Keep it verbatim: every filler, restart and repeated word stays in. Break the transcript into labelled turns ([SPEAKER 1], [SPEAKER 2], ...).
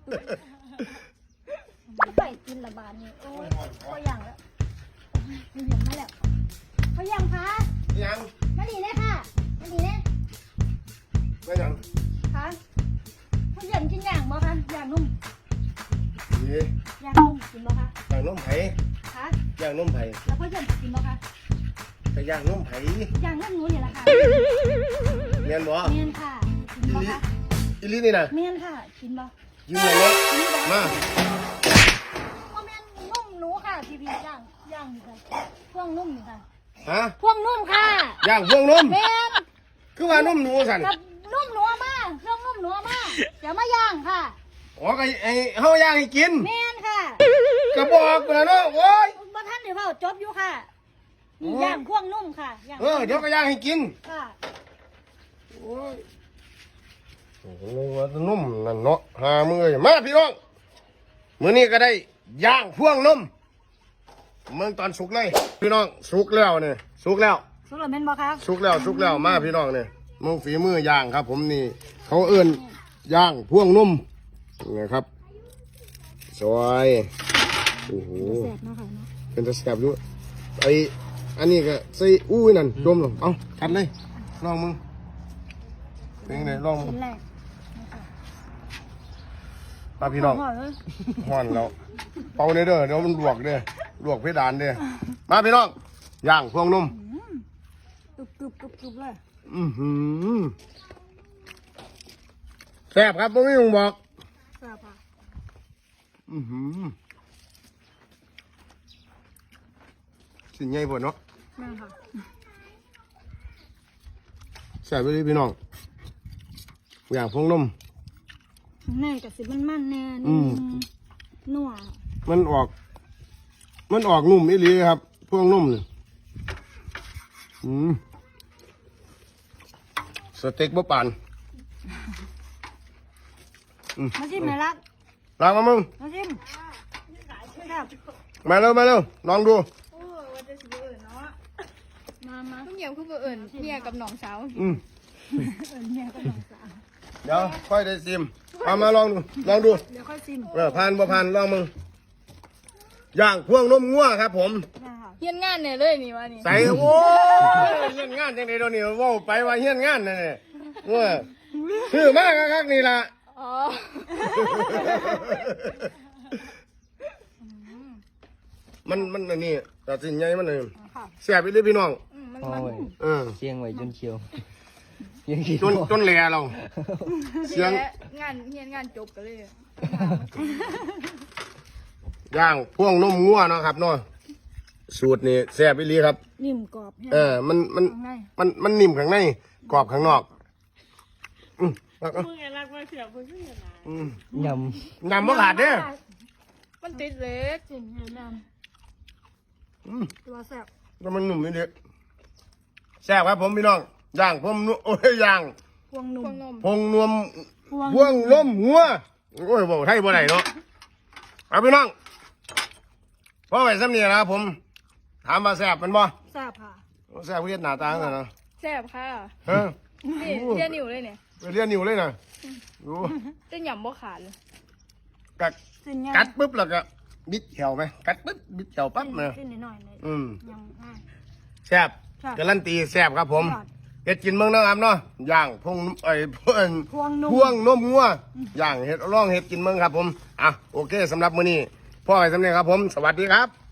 [SPEAKER 1] ไปกินละบาทนี่โอ้ยพอยังแล้วมีอย่างมาแล้วพอยังคะ
[SPEAKER 2] ยัง
[SPEAKER 1] มาดีเลยค่ะมาดีเลย
[SPEAKER 2] ไม่ยัง
[SPEAKER 1] คะพอยังกินอย่างบ่คะอย่างนุ่ม
[SPEAKER 2] ดี
[SPEAKER 1] อย่างนุ่มกินบ่คะ
[SPEAKER 2] อย่างนุ่มไผ่
[SPEAKER 1] คะ
[SPEAKER 2] อย่างนุ่มไผ่
[SPEAKER 1] แล้วพอยังกินบ่คะ
[SPEAKER 2] แต่อย่างนุ่มไผ่
[SPEAKER 1] อย่างนุ่มหนูนี่แหละค่ะ
[SPEAKER 2] เมียนบ่
[SPEAKER 1] เมียนค่ะกินบ่คะ
[SPEAKER 2] อีลี่นี่นะ
[SPEAKER 1] เมียนค่ะกินบ่
[SPEAKER 2] ยืมเลยเนาะมา
[SPEAKER 1] พ่อแม่นุ่มหนูค่ะพี่พี่ย่างย่างนี่ค่ะพวงนุ่มนี่ค่ะ
[SPEAKER 2] ฮะ
[SPEAKER 1] พวงนุ่มค่ะ
[SPEAKER 2] ย่างพวงนุ่ม
[SPEAKER 1] เมียน
[SPEAKER 2] คือว่านุ่มหนูสั่น
[SPEAKER 1] กับนุ่มหนูมาเครื่องนุ่มหนูมาเดี๋ยวมาย่างค่ะ
[SPEAKER 2] อ๋อไอ้ไอ้เฮาย่างให้กิน
[SPEAKER 1] เมียนค่ะ
[SPEAKER 2] กระบอกแล้วเนาะโอ้ย
[SPEAKER 1] บ่ท่านเดี๋ยวเปล่าจบอยู่ค่ะนี่ย่างพวงนุ่มค่ะ
[SPEAKER 2] เออเดี๋ยวก็ย่างให้กิน
[SPEAKER 1] ค่ะ
[SPEAKER 2] โอ้ยโอ้โหนุ่มนั่นเนาะหามือมาพี่น้องมื้อนี้ก็ได้ย่างพวงนุ่มเมืองตอนสุกเลยพี่น้องสุกแล้วเนี่ยสุกแล้ว
[SPEAKER 1] สุกแล้วแม่นบ่คะ
[SPEAKER 2] สุกแล้วสุกแล้วมาพี่น้องเนี่ยมึงฝีมือย่างครับผมนี่เขาเอื้นย่างพวงนุ่มนะครับซอยโอ้โห
[SPEAKER 1] แซ่บมากค่ะเนาะ
[SPEAKER 2] เป็นตะแซ่บด้วยไออันนี้ก็ใส่อุ้ยนั่นจมลงเอากัดเลยลองมึงเป็นไงลองมึง
[SPEAKER 1] ชิ้นแรก
[SPEAKER 2] มาพี่น้องห่อนแล้วเป่าเด้อเด้อเดี๋ยวมันลวกเด้อลวกเพดานเด้อมาพี่น้องย่างพวงนุ่ม
[SPEAKER 1] กรึบกรึบกรึบกรึบเลย
[SPEAKER 2] อือหือแซ่บครับไม่ต้องบอก
[SPEAKER 1] แซ่บค่ะ
[SPEAKER 2] อือหือสิ่งใหญ่ปวดเนาะ
[SPEAKER 1] แม่ค่ะ
[SPEAKER 2] แซ่บไปเลยพี่น้องอย่างพวงนุ่ม
[SPEAKER 1] แน่กับสิมันมันแน่นี่นัว
[SPEAKER 2] มันออกมันออกนุ่มอีหลีครับพวงนุ่มเนี่ยอืมสเต็กบะปาน
[SPEAKER 1] มาชิมไหมล่ะ
[SPEAKER 2] ลองมามึง
[SPEAKER 1] มาชิม
[SPEAKER 2] มาเร็วมาเร็วลองดู
[SPEAKER 1] มามา
[SPEAKER 3] ทุกอย่างคือเอิญเมียกับน้องสาว
[SPEAKER 2] อืม
[SPEAKER 1] เอิญเมียกับน้องสาว
[SPEAKER 2] เดี๋ยวค่อยได้ซิมมามาลองดูลองดู
[SPEAKER 1] เดี๋ยวค่อยซิม
[SPEAKER 2] เออผ่านบ่ผ่านลองมึงย่างพวงนุ่มงัวครับผม
[SPEAKER 3] เฮียนงานเนี่ยเลยนี่วะนี่
[SPEAKER 2] ใส่โอ้ยเฮียนงานจังได๋เดี๋ยวนี้ว่าไปว่าเฮียนงานนั่นแหละว่าชื่อมากคักนี่ล่ะ
[SPEAKER 3] อ๋อ
[SPEAKER 2] มันมันอันนี้ตัดสินใหญ่มันเลยแซ่บอีหลีพี่น้อง
[SPEAKER 4] เออเชียงไว้จนเขียว
[SPEAKER 2] จนจนแหล่เรา
[SPEAKER 3] เสียงงานเฮียนงานจบกันเลย
[SPEAKER 2] ย่างพวงนมงัวเนาะครับเนาะสูตรนี่แซ่บอีหลีครับ
[SPEAKER 1] นิ่มกรอบ
[SPEAKER 2] เออมันมันมันมันนิ่มข้างในกรอบข้างนอกอืมรักอ่ะอืม
[SPEAKER 4] ย
[SPEAKER 2] ำยำบ่ขาดเด้อ
[SPEAKER 3] มันติดเล็ก
[SPEAKER 1] จริงยำอืมตัวแซ่บ
[SPEAKER 2] แล้วมันหนุ่มนิดเดียวแซ่บครับผมพี่น้องย่างพวงโอ้ยย่าง
[SPEAKER 1] พวงนุ่ม
[SPEAKER 2] พวงนวมพวงนมหัวโอ้ยบอกไทยบ่ได้เนาะเอาพี่น้องพ่อไปซ้ำนี่นะครับผมถามมาแซ่บเป็นบ่
[SPEAKER 1] แซ่บค่ะ
[SPEAKER 2] แซ่บเรียนหน้าตาเนาะ
[SPEAKER 3] แซ่บค่ะ
[SPEAKER 2] ฮะ
[SPEAKER 3] เรียนนิ้วเลยเนี่ย
[SPEAKER 2] เรียนนิ้วเลยนะดู
[SPEAKER 3] จะหย่ำบ่ขาดเลย
[SPEAKER 2] กัดกัดปุ๊บแล้วก็บิดแถวไหมกัดปุ๊บบิดแถวปั๊บเลยอืมแซ่บการันตีแซ่บครับผมเห็ดกินเมืองนะครับเนาะย่างพวงไอ้พวงพวงนมงัวย่างเห็ดร่องเห็ดกินเมืองครับผมอ่ะโอเคสำหรับมื้อนี้พ่อไปสำเร็จครับผมสวัสดีครับ